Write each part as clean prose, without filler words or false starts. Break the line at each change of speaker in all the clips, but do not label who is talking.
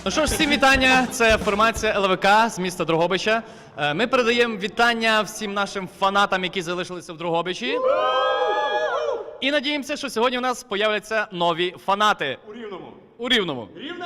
Ну що ж, всім вітання. Це формація ЛВК з міста Дрогобича. Ми передаємо вітання всім нашим фанатам, які залишилися в Дрогобичі. І надіємося, що сьогодні у нас появляться нові фанати.
У Рівному.
У Рівному.
Рівне!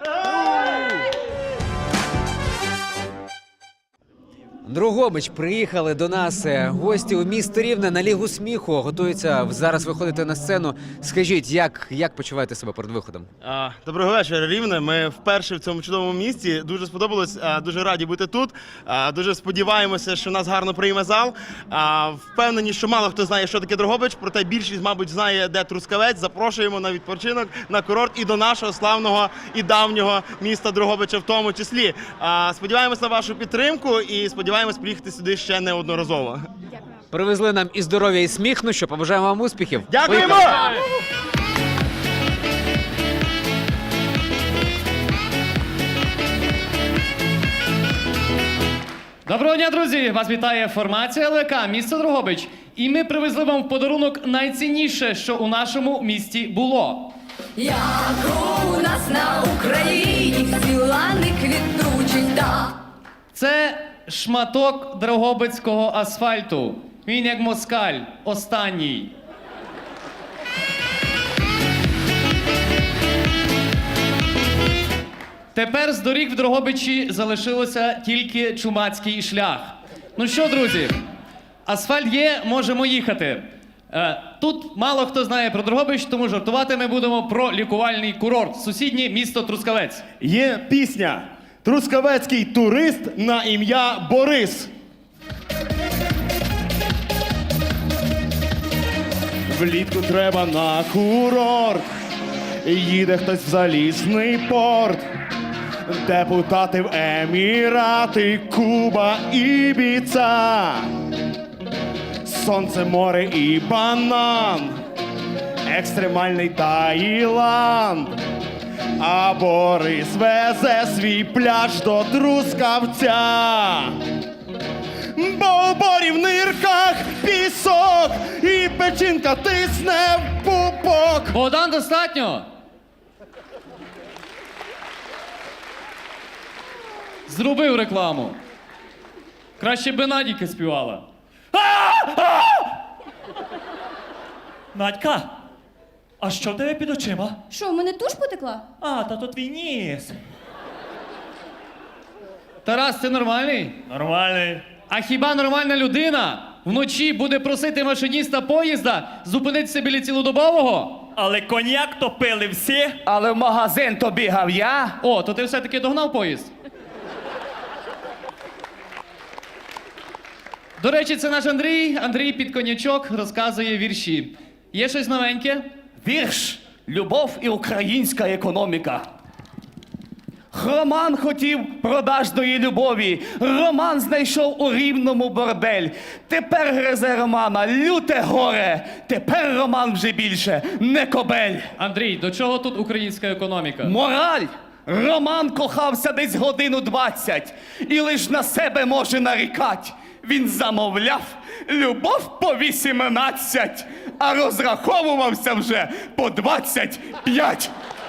Дрогобич, приїхали до нас гості у місто Рівне на Лігу сміху. Готуються зараз виходити на сцену. Скажіть, як почуваєте себе перед виходом?
Доброго вечора, Рівне. Ми вперше в цьому чудовому місті. Дуже сподобалось, дуже раді бути тут. Дуже сподіваємося, що нас гарно прийме зал. Впевнені, що мало хто знає, що таке Дрогобич, проте більшість, мабуть, знає, де Трускавець. Запрошуємо на відпочинок, на курорт і до нашого славного і давнього міста Дрогобича в тому числі. Сподіваємось на вашу підтримку і сподіваємось приїхати сюди ще неодноразово.
Привезли нам і здоров'я, і сміх. Ну що, побажаємо вам успіхів.
Дякуємо!
Поїхали!
Доброго дня, друзі! Вас вітає формація ЛВК, місто Дрогобич. І ми привезли вам в подарунок найцінніше, що у нашому місті було.
Як у нас на Україні всі лани квітучі, да.
Це шматок дрогобицького асфальту. Він як москаль, останній. Тепер з доріг в Дрогобичі залишилося тільки чумацький шлях. Ну що, друзі, асфальт є, можемо їхати. Тут мало хто знає про Дрогобич, тому жартувати ми будемо про лікувальний курорт. Сусіднє місто Трускавець.
Є пісня «Трускавецький турист на ім'я Борис». Влітку треба на курорт, їде хтось в залізний порт. Депутати в Емірати, Куба, Ібіца. Сонце, море і банан, екстремальний Таїланд. А Борис везе свій пляж до Трускавця. Бо у борі в нирках пісок і печінка тисне в пупок.
Богдан, достатньо? Зробив рекламу. Краще би Надійка співала.
Надька, а що в тебе під очима?
Що, в мене туш потекла?
А, та то твій ніс.
Тарас, ти нормальний?
Нормальний.
А хіба нормальна людина вночі буде просити машиніста поїзда зупинитися біля цілодобового?
Але коньяк то пили всі.
Але в магазин то бігав я.
О, то ти все-таки догнав поїзд? До речі, це наш Андрій. Андрій під конячок розказує вірші. Є щось новеньке?
Вірш «Любов і українська економіка». Роман хотів продажної любові. Роман знайшов у Рівному бордель. Тепер гризе Романа люте горе. Тепер Роман вже більше не кобель.
Андрій, до чого тут українська економіка?
Мораль. Роман кохався десь годину 20 і лиш на себе може нарікать. Він замовляв любов по 18, а розраховувався вже по 25.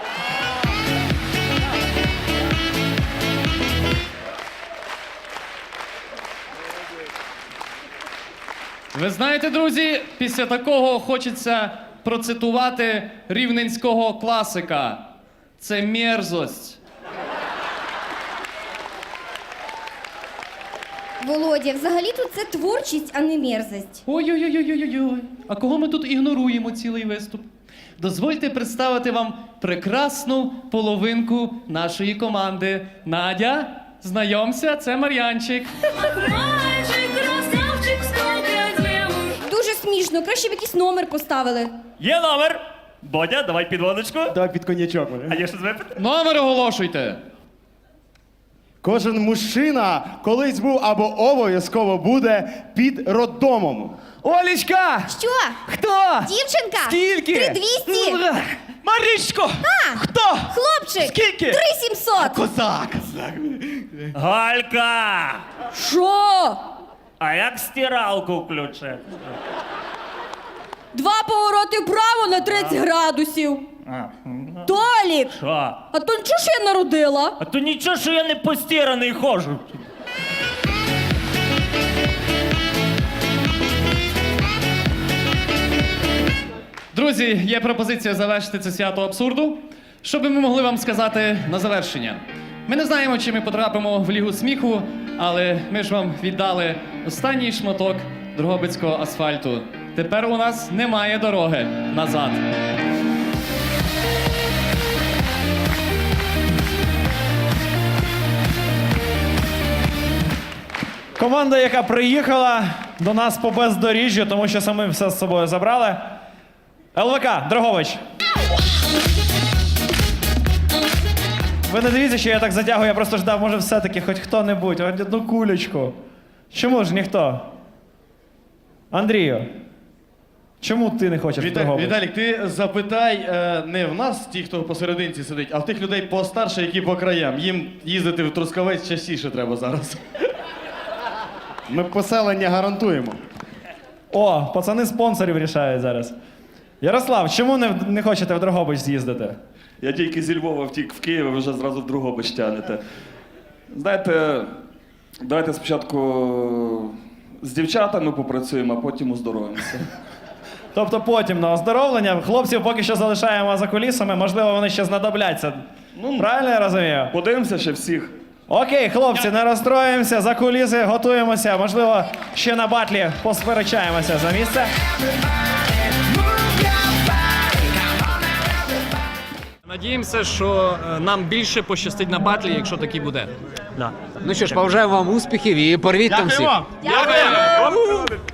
Ви знаєте, друзі, після такого хочеться процитувати рівненського класика. Це мерзость.
Володя, взагалі-то це творчість, а не мерзость.
Ой-ой-ой-ой-ой-ой. А кого ми тут ігноруємо цілий виступ? Дозвольте представити вам прекрасну половинку нашої команди. Надя, знайомся, це Мар'янчик.
Дуже смішно, краще б якийсь номер поставили.
Є номер. Бодя, давай підводочку.
Давай під конячок.
А є щось випити?
Номер оголошуйте.
Кожен мужчина колись був або обов'язково буде під роддомом.
Олечка!
Що?
Хто?
Дівчинка?
Скільки?
3200.
Марічко! Хто?
Хлопчик!
Скільки?
3700.
Козак!
Галька!
Що?
А як стиралку включити?
2 повороти вправо на 30 градусів. Толік!
Що?
А то нічого, що я народила?
А то нічого, що я не постіраний ходжу.
Друзі, є пропозиція завершити це свято абсурду. Що би ми могли вам сказати на завершення? Ми не знаємо, чи ми потрапимо в Лігу сміху, але ми ж вам віддали останній шматок дрогобицького асфальту. Тепер у нас немає дороги назад.
Команда, яка приїхала до нас по бездоріжжю, тому що самі все з собою забрали. ЛВК, Дрогович. Ви не дивіться, що я так затягую, я просто ждав, може все-таки хоч хто-небудь, хоч одну кулечку. Чому ж ніхто? Андрію, чому ти не хочеш в Дрогобич?
Віталік, ти запитай не в нас, ті, хто посерединці сидить, а в тих людей постарше, які по краям. Їм їздити в Трускавець частіше треба зараз. Ми поселення гарантуємо.
О, пацани спонсорів рішають зараз. Ярослав, чому не хочете в Дрогобич з'їздити?
Я тільки зі Львова втік в Київ, а ви вже зразу в Дрогобич тягнете. Знаєте, давайте спочатку з дівчатами попрацюємо, а потім оздоровимося.
Тобто потім на оздоровлення. Хлопців поки що залишаємо за кулісами, можливо, вони ще знадобляться. Правильно я розумію?
Подивимося ще всіх.
Окей, хлопці, не розстроїмося, за куліси готуємося. Можливо, ще на батлі посперечаємося за місце.
Надіємося, що нам більше пощастить на батлі, якщо такий буде.
Ну що ж, побажаємо вам успіхів і порвіть там всіх.
Дякуємо! Дякуємо!